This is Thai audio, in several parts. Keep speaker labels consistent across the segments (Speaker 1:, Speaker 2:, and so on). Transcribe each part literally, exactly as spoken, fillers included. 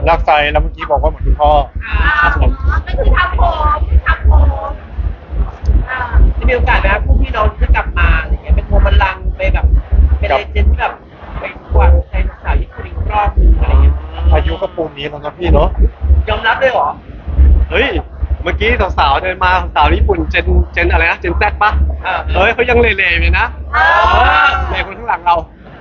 Speaker 1: ลากไซแล้วเมื่อกี้บอกว่าเหมือนคุณพ่อ
Speaker 2: ครับผมก็คือทำผมทำผมจะมีโอกาสนะพวกพี่น้องจะกลับมาอะไรเงี้ยเป็นโทรบัลลังก์ไปแบบเป็นเลเจนด์ที่แบบไปกวาดใจสาวญี่ปุ่นอีกรอบนึงอะไรเงี้ย
Speaker 1: อายุก็ปูนนี้แล้วนะพี่เนาะ
Speaker 2: ยอมรับเลยเหรอ
Speaker 3: เฮ้ยเมื่อกี้สาวๆเดินมาสาวญี่ปุ่นเจนเจนอะไรนะเจนแซดปะ
Speaker 2: อ่า
Speaker 3: เฮ้ยเขายังเล่ๆอยู่นะเล่คนข้างหลังเรา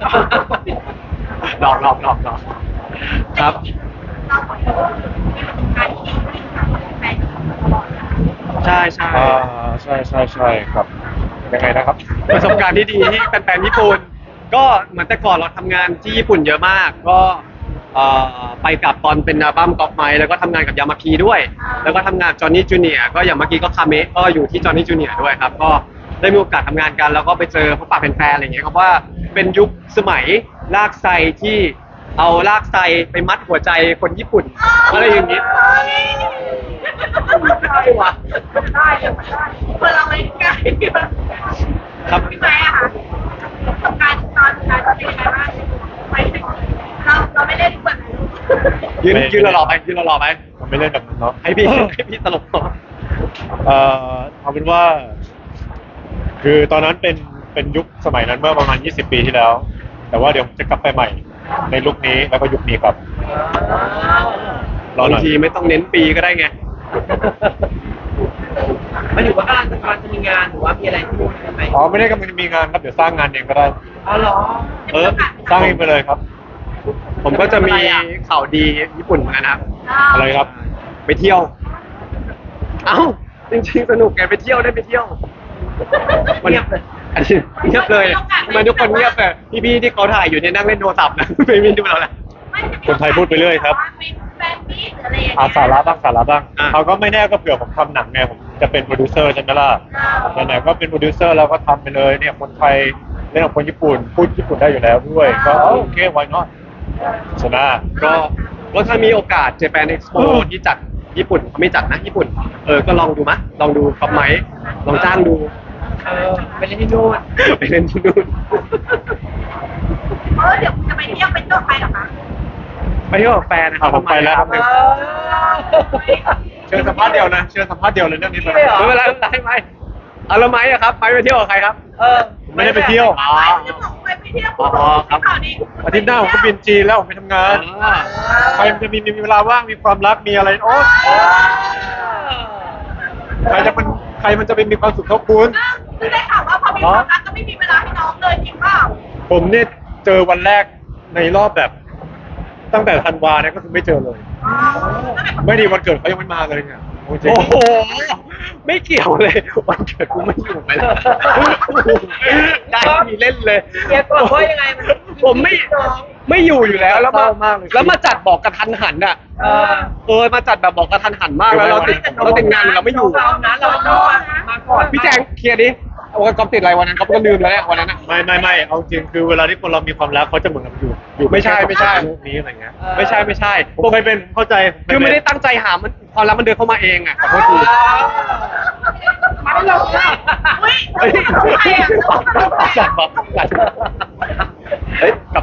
Speaker 3: หลอกหลอกหลอกหลอกครับ
Speaker 2: เราขอโทษที่เป็นการที่ดีที่ทำให้แฟนตลอด
Speaker 3: ใช่ใช่
Speaker 1: อ่าใช่ใช่ใช่ครับยังไงนะครับ
Speaker 3: ประสบการณ์ที่ดีที่แฟนๆญี่ปุ่นก็เหมือนแต่ก่อนเราทำงานที่ญี่ปุ่นเยอะมากก็เอ่อไปกับตอนเป็นอัลบั้มกอล์ฟไมค์แล้วก็ทำงานกับยามาพีด้วย แล้วก็ทำงานจอห์นนี่จูเนียร์ก็อย่างเมื่อกี้ก็คาเมะก็อยู่ที่จอห์นนี่จูเนียร์ด้วยครับก็ได้มีโอกาสทำงานกันแล้วก็ไปเจอพบปะแฟนๆอะไรอย่างเงี้ยครับว่าเป็นยุคสมัยลากไซที่เอาลากไซไปมัดหัวใจคนญี่ปุ่นอะไรอย่างงี้
Speaker 2: ได้ว่ะได้เลยได้เพื่อเราไม่ใกล้
Speaker 3: ครับ
Speaker 2: พี่ไม้อะค่ะประสบการณ์ตอนนั้นเป็นยังไงบ้างไปถึงเราเราไม่ได้ทุกคน
Speaker 3: ยืนยืนรอๆไปยืนรอๆไป
Speaker 1: มันไม่เล่นแบบนั้นเนาะ
Speaker 3: ให้พี่ให้พี่ตลกต่อ
Speaker 1: เอ่อเอาเป็นว่า คือตอนนั้นเป็นเป็นยุคสมัยนั้นเมื่อประมาณยี่สิบปีที่แล้ว แต่ว่าเดี๋ยวผมจะกลับไปใหม่ ในลุคนี้แล้วก็ยุคนี้ครับ รอหน่
Speaker 3: บา
Speaker 1: อย
Speaker 3: งทีไม่ต้องเน้นปีก็ได้ไง
Speaker 2: มันอยู่ว่ากำลังจะกำลังจะมีงานหรือว่ามีอะไรที่นู่นใช่ไหม
Speaker 1: อ๋อไม่ได้กำลังจะมีงานครับเดี๋ยวสร้างงานเองก็ได้
Speaker 2: อ๋อเหรอ
Speaker 3: เออ
Speaker 1: สร้างเองไปเลยครับ
Speaker 3: ผมก็จะมีข่าวดีญี่ปุ่นเหมือนกันนะครับ
Speaker 1: อะไรครับ
Speaker 3: ไปเที่ยว เอ้า จริงๆสนุกไงไปเที่ยวได้ไปเที่ยว
Speaker 2: เงียบเลย
Speaker 3: อันนี้เงียบเลยทำไมทุกคนเงียบเลยพี่ๆที่เขาถ่ายอยู่เนี่ยนั่งเล่นโทรศัพท์นะ ไม่มีดูเราแล้ว
Speaker 1: คนไทยพูดไปเรื่อยครับ
Speaker 2: เป็นแฟนมิตรหรืออะไรอย่าง
Speaker 1: อา
Speaker 2: เงี้ย
Speaker 1: สาระบ้างสาระบ้าง
Speaker 3: อ่ะ
Speaker 1: เขาก็ไม่แน่ก็เผื่อผมทำหนังไงผมจะเป็นโปรดิวเซอร์ใช่ไหมล่ะไหนๆก็เป็นโปรดิวเซอร์แล้วก็ทำไปเลยเนี่ยคนไทยเล่นกับคนญี่ปุ่นพูดญี่ปุ่นได้อยู่แล้วด้วย ก็เออโอเค why not ชนะ
Speaker 3: ก็ก็ถ้ามีโอกาส Japan Expo ที่จัดญี่ปุ่นเขาไม่จัดนะญี่ปุ่น เออ ก็ลองดูมะลองดูครับไหมลองจ้างดู
Speaker 2: เออไปเล่นที่นู่น
Speaker 3: ไปเล่นที่นู่น
Speaker 2: เออเดี๋ยวจะไปเที่ยวเป็นตัวใครหรอคะ
Speaker 3: ไปเที่ยวกับแฟนนะครับ
Speaker 1: อ่ะผมไปแล้วครับ
Speaker 2: เออ
Speaker 1: เชิญสัมภาษณ์เดียวนะเชิญสัมภาษณ์เดียวเลยเรื่องนี้
Speaker 2: ไม่ได้เหรอ
Speaker 3: ไม่เป็นไรไม่เป็นไรไม่เอาแล้วไหมอะครับไปไปเที่ยวกับใครครับ
Speaker 2: เออ
Speaker 1: ไม่ได้ไปเที่ยว
Speaker 3: อ๋อ
Speaker 2: ไปที่บอกไปเที่ยว
Speaker 3: อ๋อครับ
Speaker 2: ข่าวดี
Speaker 1: อาทิตย์หน้าผมก็บินจีนแล้วผมไปทำงาน
Speaker 3: อ่า
Speaker 1: ใครมันจะมีมีเวลาว่างมีความรักมีอะไรโอ๊ยใครจะมันใครมันจะไปมีความสุขเท่าคุณ
Speaker 2: คือได้ข่าวว่าพอมีความรักก็ไม่มีเวลาให้น้องเลยจริงเปล่า
Speaker 1: ผมเนี่ยเจอวันแรกในรอบแบบ ตั้งแต่ธันวาเนี่ยก็คือไม่เจอเลย
Speaker 2: อ๋อ
Speaker 1: ไม่ดีวันเกิดเขายังไม่มาเลยเนี่ยโอ้จริง
Speaker 3: โอ้โห ไม่เกี่ยวเลย วันเกิดกูไม่อยู่ไปแล้วได้มีเล่นเลย
Speaker 2: เดี๋ยวก่อนว่ายังไงมัน
Speaker 3: ผมไม่ไม่อยู่อยู่แล้วแล้วมา
Speaker 1: เศร้ามากเลย
Speaker 3: แล้วมาจัดบอกกระทันหันอ่ะ
Speaker 2: เออ
Speaker 3: เออมาจัดแบบบอกกระทันหันมากแล้วเราติดเราติดงานอยู่เราไม่อยู่
Speaker 2: เรานะเราต้องมาก่อน
Speaker 3: พี่แจงเคลียร์ดิวันก๊อฟติดอะไรวันนั้นก๊อฟก็ลืมแล้วเนี่ยวันนั้นอะ
Speaker 1: ไม่ไม่ไม่เอาจริงคือเวลาที่คนเรามีความรักเขาจะเหมือนกับอยู่อยู่
Speaker 3: ไม่ใช่ไม่ใช่
Speaker 1: โลกนี้อะไรเงี้ย
Speaker 3: ไม่ใช่ไม่ใช่
Speaker 1: ผมเคยเป็นเข้าใจผ
Speaker 3: คือไม่ได้
Speaker 1: เป็น
Speaker 3: ตั้งใจหามันความรักมันเดินเข้ามาเองอ่ะขอโทษที
Speaker 2: มาให้เราค่ะอุ้ย
Speaker 3: เฮ้ย
Speaker 2: ใครอ่ะ
Speaker 3: จัดบอกจัดเฮ้ยกลับ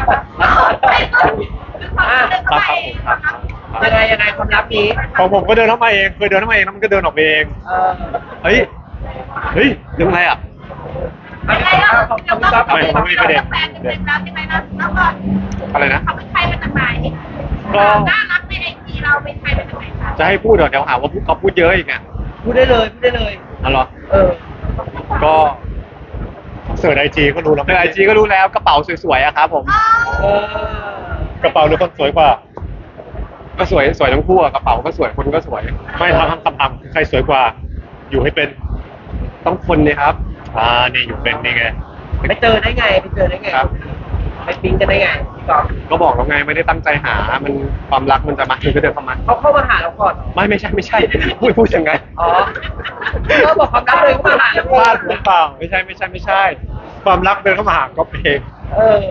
Speaker 2: ยังไงยังไงความลับนี้
Speaker 1: ของผมก็เดินเข้ามาเองเคยเดินเข้ามาเองแล้วมันก็เดินออกไปเอง
Speaker 2: เออ
Speaker 3: เฮ้ยเฮ้ยเรื่องอะไรอ่ะ
Speaker 2: ยังไงอ่ะเดี๋ยวเราแฟนเป็นเป็นแล้วยังไงนะแล้วก็
Speaker 3: อะไรนะ
Speaker 2: เขาเป็นใครมาจากไหน
Speaker 3: ก็
Speaker 2: น่ารักในไอจีเราเป็นใครมาจากไหนคะ
Speaker 3: จะให้พูดเหรอเดี๋ยวหาว่าพูดเขาพูดเยอะอีกอ่ะ
Speaker 2: พูดได้เลยพูดได้เลย
Speaker 3: อ๋อเหรอ
Speaker 2: เออ
Speaker 3: ก็
Speaker 1: เสิร์ชไอจีก็รู้แล้ว
Speaker 3: ในไอจีก็รู้แล้วกระเป๋าสวยๆอะครับผม
Speaker 2: เออก
Speaker 1: ระเป๋าหรือคนสวยกว่า
Speaker 3: ก็สวยสวยทั้งคู่อะกระเป๋าก็สวยคนก็สวย
Speaker 1: ไม่ทำทำทำทำใครสวยกว่า อยู่ให้เป็น
Speaker 3: ต้องคนเนี่ยครับ
Speaker 1: อ่านี่อยู่เป็นนี่ไง
Speaker 2: ไปเจอได้ไงไปเจอได้ไง
Speaker 3: ครับ
Speaker 2: ไปปิ๊งกันได้ไงพี่กอล์ฟ
Speaker 3: ก็บอกแล้วไงไม่ได้ตั้งใจหา มันความรักมันจะมาถึงก็เดินเข้ามา
Speaker 2: เขาเข้ามาหาเราก่อนเหรอ
Speaker 3: ไม่ไม่ใช่ไม่ใช่ พูดพูดยังไง
Speaker 2: อ๋อก็บอกความรักเลยเข้ามาหาเรา
Speaker 1: พลาดหรือเปล่า
Speaker 3: ไม่ใช่ไม่ใช่ไม่ใช่
Speaker 1: ความรักเดินเข้ามาหาก็เอง
Speaker 2: เออ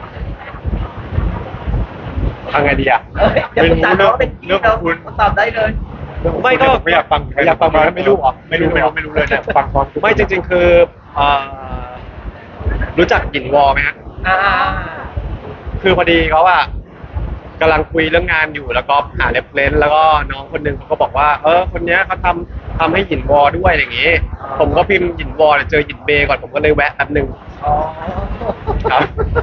Speaker 3: ทางไงดีอะ
Speaker 2: เออเดี๋ยวคุณตาเขาเป็นพี่เราตอบได้เลย
Speaker 3: ไม่ก็
Speaker 1: ไม่อยากฟัง
Speaker 3: อยากฟังมาไม่รู้เหรอ
Speaker 1: ไม่รู้ไม่รู้ไม่รู้เลยเนี่ยฟังความ
Speaker 3: ไม่จริง ๆ คือเอ่อรู้จักหยินวอไหมฮะ
Speaker 2: อ่า
Speaker 3: คือพอดีเขาอะไปกำลังคุยเรื่องงานอยู่แล้วก็หาเรฟเฟรนซ์แล้วก็น้องคนหนึ่งเขาก็บอกว่าเออคนเนี้ยเขาทำทำให้หยินวอด้วยอย่างงี้ ผมก็พิมพ์หยินวอเนี่ยเจอหยินเบก่อนผมก็เลยแวะแป๊บหนึง
Speaker 2: อ๋อ
Speaker 3: ครับ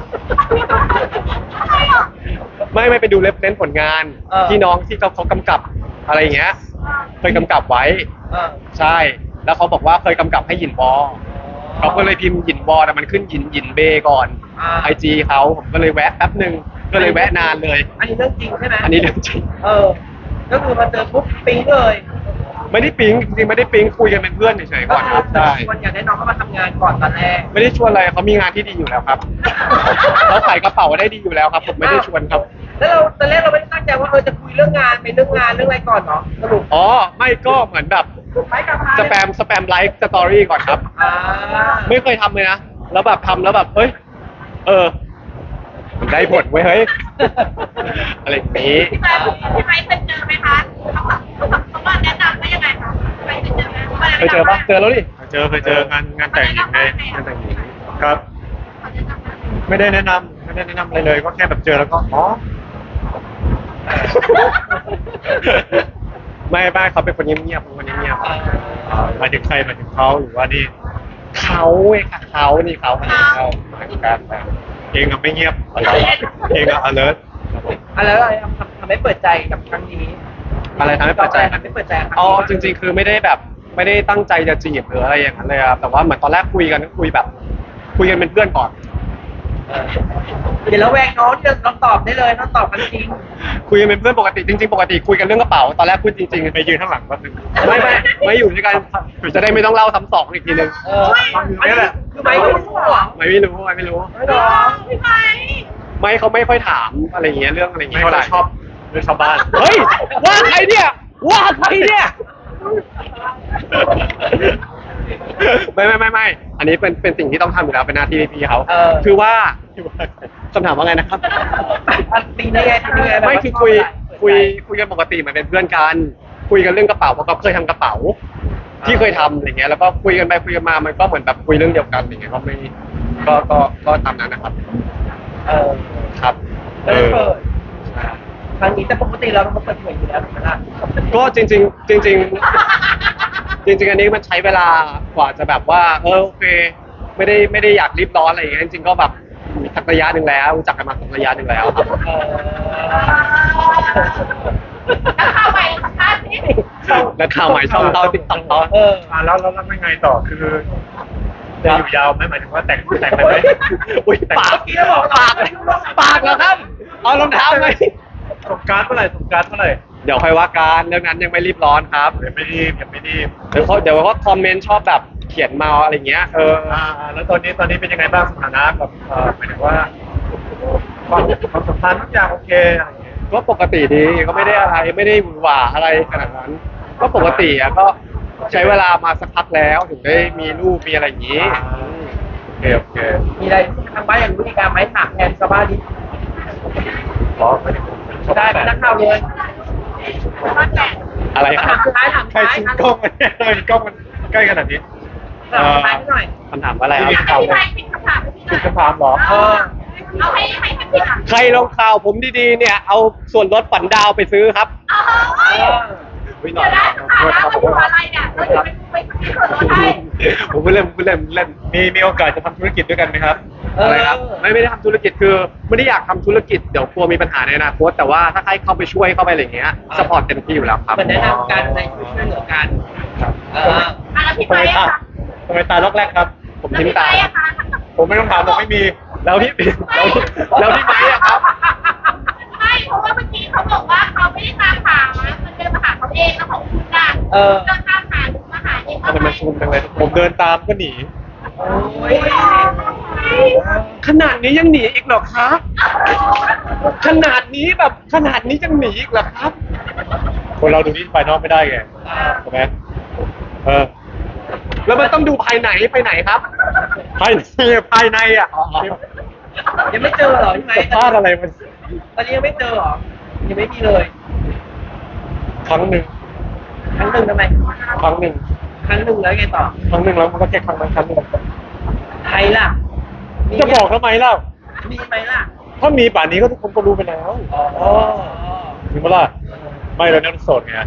Speaker 3: ไม่ไม่ไปดูเรฟเฟรนซ์ผลงาน
Speaker 2: เออ
Speaker 3: ที่น้องที่เขาเขากำกับอะไรอย่างเงี้ยเคยกำกับไว้
Speaker 2: เออ
Speaker 3: ใช่ แล้วเขาบอกว่าเคยกำกับให้หยินวอเขาก็เลยพิมพ์หยินวอแต่มันขึ้นหยินหยินเบก่อน
Speaker 2: อ่า
Speaker 3: ไอจีเขาผมก็เลยแวะแป๊บหนึ่งก็เลยแวะนานเลย
Speaker 2: อันนี้เรื่องจริงใช่ไหม
Speaker 3: อันนี้เรื่องจริง
Speaker 2: เออ ก็คือมาเจอปุ๊บปิ๊งเลย
Speaker 3: ไม่ได้ปิ๊งจริงๆไม่ได้ปิ๊งคุยกันเป็นเพื่อนเฉยๆ
Speaker 2: ก็
Speaker 3: ก่อน
Speaker 2: คื
Speaker 3: ค
Speaker 2: อ
Speaker 3: รับใช่
Speaker 2: ชวนอยากได้น้องเข้ามาทำงานก่อนตอนแรก
Speaker 3: ไม่ได้ชวนอะไรเขามีงานที่ดีอยู่แล้วครับเขาใส่กระเป๋าได้ดีอยู่แล้วครับ ผมไม่ได้ชวนครับ
Speaker 2: แล้วเราตอนแรกเราไม่ได้ตั้งใจว่าเออจะคุยเรื่องงานไปเรื่องงานเรื่องอะไรก่อนเนาะสรุป
Speaker 3: อ๋อไม่ก็เหมือนแบบ
Speaker 2: ไปกับพา
Speaker 3: สแปมสแปมไลฟ์สตอรี่ก่อนครับ
Speaker 2: อ่า
Speaker 3: ไม่เคยทำเลยนะแล้วแบบทำแล้วแบบเฮ้ยเออมันได้ผลเว้ยเฮ้ยอะไรอย่างนี้
Speaker 4: พี่ไม้พี่ไม้เคยเจอไหมคะเขาแบบเขาแบบเขาว่าแนะนำว่ายังไงคะพี่ไม้เคยเจอไหม
Speaker 3: เคยเจอปะเจอแล้วดิ
Speaker 1: เจอเคยเจองานงานแต่งหญิงไงงานแต่งหญิงครับ
Speaker 4: เขาแนะนำว่า
Speaker 1: ไม่ได้แนะนำไม่ได้แนะนำอะไรเลย ก็แค่แบบเจอแล้วก็อ๋อ
Speaker 3: ไม่ไม่เขาเป็นคนเงียบๆเป็นคนเงียบ
Speaker 2: อ่า
Speaker 1: อ่าหมายถึงใครหมายถึงเขาหรือว่านี่
Speaker 3: ๆเขาเองค่ะเขานี่เขาเขาเหมือนกันนะ
Speaker 1: เองอะไม่เงียบเองอะ alert ครับผม
Speaker 2: อะไรอะไรทำทำให้เปิดใจกับครั้งนี้
Speaker 3: อะไรทำให้เปิดใจ
Speaker 2: ทำให้เปิดใจกับครั้ง
Speaker 3: อ๋อ
Speaker 2: นี้
Speaker 3: จริง ๆ คือไม่ได้แบบไม่ได้ตั้งใจจะจีบหรืออะไรอย่างนั้นเลยครับแต่ว่าเหมือนตอนแรกคุยกันก็คุยแบบ คุยกันเป็นเพื่อนก่อน
Speaker 2: เออเดี๋ยวเราแวงน้องที่เราตอบได้เลยเราตอบกันจริง
Speaker 3: คุยกันเป็นเพื่อนปกติจริงๆปกติคุยกันเรื่องกระเป๋าตอนแรกพูดจริงๆ
Speaker 1: ไปยืนข้างหลังแป๊บนึง
Speaker 3: ไม่ไม่ไม่อยู่ด้วยกันจะได้ไม่ต้องเล่าซ้ำสองอีกทีนึง
Speaker 2: เอออันนี้คือไม่รู้เหรอ
Speaker 3: ไม่ไม่รู้ไม่ไม่รู้
Speaker 2: ไม่หรอ
Speaker 4: พี่ไม้
Speaker 3: ไม่เขาไม่ค่อยถามอะไรอย่างเงี้ยเรื่องอะไรอย่าง
Speaker 1: ไม่
Speaker 3: เงี้ย
Speaker 1: ค่
Speaker 3: เท่า
Speaker 1: อ
Speaker 3: ไหร่
Speaker 1: ยชอบเรื่องชาวบ้าน
Speaker 3: เฮ้ยว่าใครเนี่ยว่าใครเนี่ยไม่ไม่ไม่ไม่อันนี้เป็นเป็นสิ่งที่ต้องทำอยู่แล้วเป็นหน้าที่พี่เขา
Speaker 2: เออ
Speaker 3: คือว่าคำถามว่าไงนะครับ
Speaker 2: อันตีได้ไงตีได้ไง
Speaker 3: ไม่คือคุยคุยคุยกันปกติเหมือนเป็นเพื่อนกัน คุยกันเรื่องกระเป๋าเพราะเขาเคยทำกระเป๋า ที่เคยทำอะไรเงี้ยแล้วก็คุยกันไปคุยกันมามันก็เหมือนแบบคุยเรื่องเดียวกันอย่างเงี้ยก็ไม่ก็ก็ก็ตามนั้นนะครับ
Speaker 2: เออ
Speaker 3: ครับ
Speaker 2: แล้วเปิดครั้งนี้แต่ปกติเราต้องเปิดเผยอยู่แล้วถูกไหมล่ะ
Speaker 3: ก็จริงจริงๆจริง ๆ จริง ๆ อันนี้มันใช้เวลากว่าจะแบบว่าเออโอเค ไม่ได้ไม่ได้อยากรีบร้อนอะไรอย่างเงี้ยจริงๆก็แบบมีสักระยะหนึ่งแล้วรู้จักกันมาสักระยะหนึ่งแล้วครับ
Speaker 2: เออ
Speaker 4: แล้วเข้าไปสัมภาษณ์สิ
Speaker 3: แล้วข่าวใหม่ช่องเต้าติ๊กต็อกเขา
Speaker 2: เออ
Speaker 1: อ่าแล้วแล้วแล้วยังไงต่อคือจะอยู่ยาวไหมหมายถึงว่าแต่งแต่งไปไหม
Speaker 3: อุ้ยปาก
Speaker 2: เมื่อกี้เราบอก
Speaker 3: ปากปากแล้วครับเอารองเท้าไหม
Speaker 1: สงกรารเมื่อไหร่สงกรารเมื่อไหร่
Speaker 3: เดี๋ยวค่อยว่ากันเรื่องนั้นยังไม่รีบร้อนครับ
Speaker 1: เดี๋ยวไม่รีบยังไม่รีบ
Speaker 3: เดี๋ยวเขาเดี๋ยวเขาคอมเมนต์ชอบแบบเขียนมาอะไรเงี้ยเออ
Speaker 1: อ่าอ่าแล้วตอนนี้ตอนนี้เป็นยังไงบ้างสถานะแบบเอ่อหมายถึงว่าความความสัมพันธ์ทุกอย่างโอเคอะไรอย่างเงี้ย
Speaker 3: ก็ปกติดีก็ไม่ได้อะไรไม่ได้หวือหวาอะไรขนาดนั้น ก็ปกติอะก็ใช้เวลามาสักพักแล้วถึงได้มีลูกมีอะไรอย่างนี้
Speaker 1: โอเคโอเค
Speaker 2: มีอะไรทางบ้านอย่างรู้ในการไหมถามแทนชาวบ้านดิ
Speaker 1: ขอไม่ได้
Speaker 2: ได้ไหมนักข่าวเลย
Speaker 4: ว่าแต่
Speaker 3: อะไรค
Speaker 2: ถา
Speaker 3: รับ
Speaker 2: มสุดท้ายถาม
Speaker 1: ใคร
Speaker 2: สุดท้าย
Speaker 1: ชิงกล้องมันเนี่ยทำไมกล้องมันใกล้ขนาดนี้
Speaker 2: ถามสุดท้ายหน่อย
Speaker 3: คำถามว่าอะไรค
Speaker 4: พี่
Speaker 3: รับ
Speaker 4: ไม้ปิดคำถามพี่หน่
Speaker 1: ติ
Speaker 4: อ
Speaker 1: ด
Speaker 4: ย
Speaker 1: คำถามเหรอ
Speaker 4: เออเอาให้ให้ให้ผิดอ่ะ
Speaker 3: ใครลงข่าวผมดีๆเนี่ยเอาส่วนลดฝันดาวไปซื้อครับ
Speaker 4: เออ
Speaker 3: อุ๊ยห
Speaker 4: เดี๋ยวได้คำถามแล้วมันอยู่อะไรเนี่ยเราจะไปไปที่ส่วนลดให้
Speaker 3: ผมไม่เล่นผมไม่เล่นผมเล่น
Speaker 1: มีมีโอกาสจะทำธุรกิจด้วยกันไหมครับ
Speaker 2: เออ
Speaker 3: อะไรครับไม่ไม่ได้ทำธุรกิจคือไม่ได้อยากทำธุรกิจเดี๋ยวกลัวมีปัญหาในอนาคตแต่ว่าถ้าใครเข้าไปช่วยเข้าไปอะไรอย่างเงี้ยสปอร์ตเต็มที่อยู่แล้วครับ
Speaker 2: เหมือนแนะนำกันในช่วยเหลือกัน เออ
Speaker 4: อ่ะแล้วพี่
Speaker 1: ทำ
Speaker 4: ไม้
Speaker 1: ไมตา
Speaker 4: อะคะ
Speaker 1: ทำไมตาล็อกแรกครับ
Speaker 3: ผม
Speaker 4: แล้ว
Speaker 3: ทิ้ง
Speaker 4: พี่
Speaker 3: ตา
Speaker 4: ไม้อะคะ
Speaker 1: ผมไม่ต้องถามผมไม่มี
Speaker 3: แล้วที่แล้วที่แล้วที่ไม้อะครับ
Speaker 4: ไม่เพราะว่าเมื่อกี้เขาบอกว่าเขาไม่ได้ตามหามันเดินมาหาเขาเองแล้วของคุณอ่ะ
Speaker 2: เออ
Speaker 4: เดินตามหาหรือมาหาเอง
Speaker 3: ทำไมมันซูมจังเลย
Speaker 1: ผมเดินตามก็หนี
Speaker 2: โอ้ย
Speaker 3: ขนาดนี้ยังหนีอีกเหรอครับ ขนาดนี้แบบขนาดนี้ยังหนีอีกเหรอครับ
Speaker 1: คนเราดูที่ภายนอกไม่ได้ไงใช่ไหมเออ
Speaker 3: แล้วมันต้องดูภายในไปไหนครับ
Speaker 1: ภายในภายในอ่ะ
Speaker 2: ยังไม่เจอเหรอพี่ไม้
Speaker 1: สัมภาษณ์อะไรมัน
Speaker 2: ตอนนี้ยังไม่เจอเหรอ ยังไม่มีเลย
Speaker 1: ครั้งหนึ่ง
Speaker 2: ครั้งหนึ่งทำไม
Speaker 1: ครั้งหนึ่ง
Speaker 2: ครั้งหนึ่งแล้วไงต่อ
Speaker 1: ครั้งหนึ่งแล้วมันก็แค่ครั้งนั้นครั้งหนึ่ง
Speaker 2: ใครล่ะมี
Speaker 1: จะบอกทำไมเล่า
Speaker 2: มีไหมล่ะ
Speaker 1: ถ้ามีป่านนี้ก็ทุกคนก็รู้ไปแล้ว
Speaker 2: อ๋อ
Speaker 1: จริงปะล่ะไม่เราเนี่ยโสดไง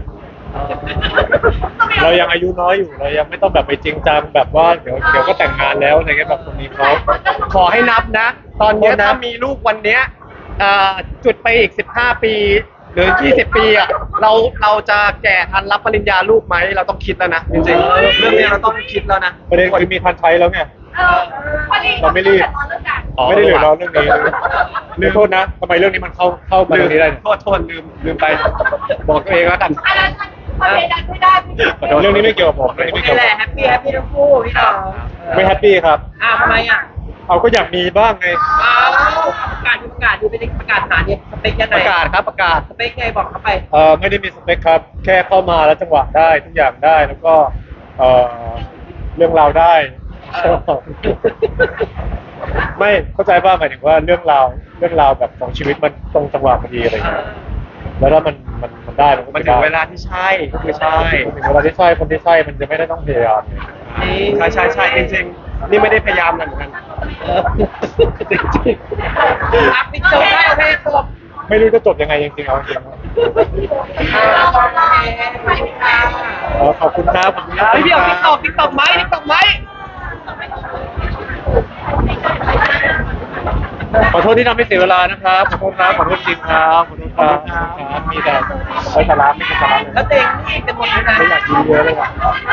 Speaker 1: เรายังอายุน้อยอยู่เรายังไม่ต้องแบบไปจริงจังแบบว่าเดี๋ยวเดี๋ยวก็แต่งงานแล้วอะไรเงี้ยแบบคนนี้เขา
Speaker 3: ขอให้นับนะ ตอนเนี้ย
Speaker 1: โทษนะ
Speaker 3: ถ้ามีลูกวันเนี้ยเอ่อจุดไปอีกสิบห้าปีหรือยี่สิบปีอ่ะเราเราจะแก่ทันรับปริญญาลูกไหมเราต้องคิดแล้วนะจริงๆเรื่องนี้เราต้องคิดแล้วนะ
Speaker 1: ประเด็นคือมีทันใช้แล้วไง
Speaker 4: เออพอดี
Speaker 1: เราไม่รีบ
Speaker 4: เรื่องการ
Speaker 3: อ๋อ
Speaker 1: ไม่ได้เหลือร้อนเรื่องนี้ลืมโทษนะทำไมเรื่องนี้มันเข้าเข้ามา
Speaker 3: ลื
Speaker 1: ตร
Speaker 3: ม
Speaker 1: งนี้ได้เนี่ย
Speaker 3: โทษโทษลืมลืมไป บอกตัวเองแล้วกัน
Speaker 4: อันนั้นมันพอดีดันไม่ได้พี่
Speaker 1: ขอโทษเรื่องนี้ไม่เกี่ยวกับผมเรื่องนี้
Speaker 2: โอ
Speaker 1: ไม่
Speaker 2: เค
Speaker 1: เกี่ยว
Speaker 2: แห
Speaker 1: กับ
Speaker 2: ละ
Speaker 1: ผม
Speaker 2: แฮปปี้แฮปปี้ทั้งคู่พี่น้อง
Speaker 1: ไม่แฮปปี้ครับ
Speaker 2: อ่าทำไมอ่ะ
Speaker 1: เอาก็อยากมีบ้างไง
Speaker 2: อ้าวประกาศดูประกาศดูเป็นประกาศหาเนี่ยสเปคยัง
Speaker 3: ป
Speaker 2: ไง
Speaker 3: ระกาศครับประกาศ
Speaker 2: สเปคไงบอกเข้าไป
Speaker 1: เอ่อไม่ได้มีสเปคครับ แค่เข้ามาแล้วจังหวะได้ทุกอย่างได้แล้วก็เอ่อเรื่องราวได้ ไม่เข้าใจป่ะหมายถึงว่าเรื่องราวเรื่องราวแบบของชีวิตมันตรงจังหวะพอดีอะไรอย่างเงี้ยแล้วถ้ามันมันมันได้มันก็
Speaker 3: มัน
Speaker 1: จะ
Speaker 3: ถึง
Speaker 1: ได้
Speaker 3: เวลาที่ใช่ก็คือใช่
Speaker 1: ถึงเวลาที่ใช่คนที่ใช่มันจะไม่ได้ต้องพยายามไง
Speaker 3: ใช่ใช่ใช่จริงๆนี่ไม่ได้พยายามนะเหมือนกันจริง
Speaker 2: อ่ะปิดจบได้โอเคจบ
Speaker 1: ไม่รู้จะจบยังไงจริงๆเอาจริงๆ
Speaker 2: อ่าโอเคไปค่ะ
Speaker 1: เออขอบคุณครับขอบคุณครับ
Speaker 2: เฮ้ยพี่เอาติ๊กตอกติ๊กตอกไหมติ๊กตอกไหม
Speaker 1: ขอโทษที่ทำให้เสียเวลานะครับ ขอโทษครับ ขอโทษจริงครับ ขอโทษครับขอโทษครับ มีแต่ไร้สาระไม่เป็นสาระเลย
Speaker 2: แล้วเต็งนี่เป็นหมดเลยนะ
Speaker 1: ไม่อยากกินเยอะเลยว่ะ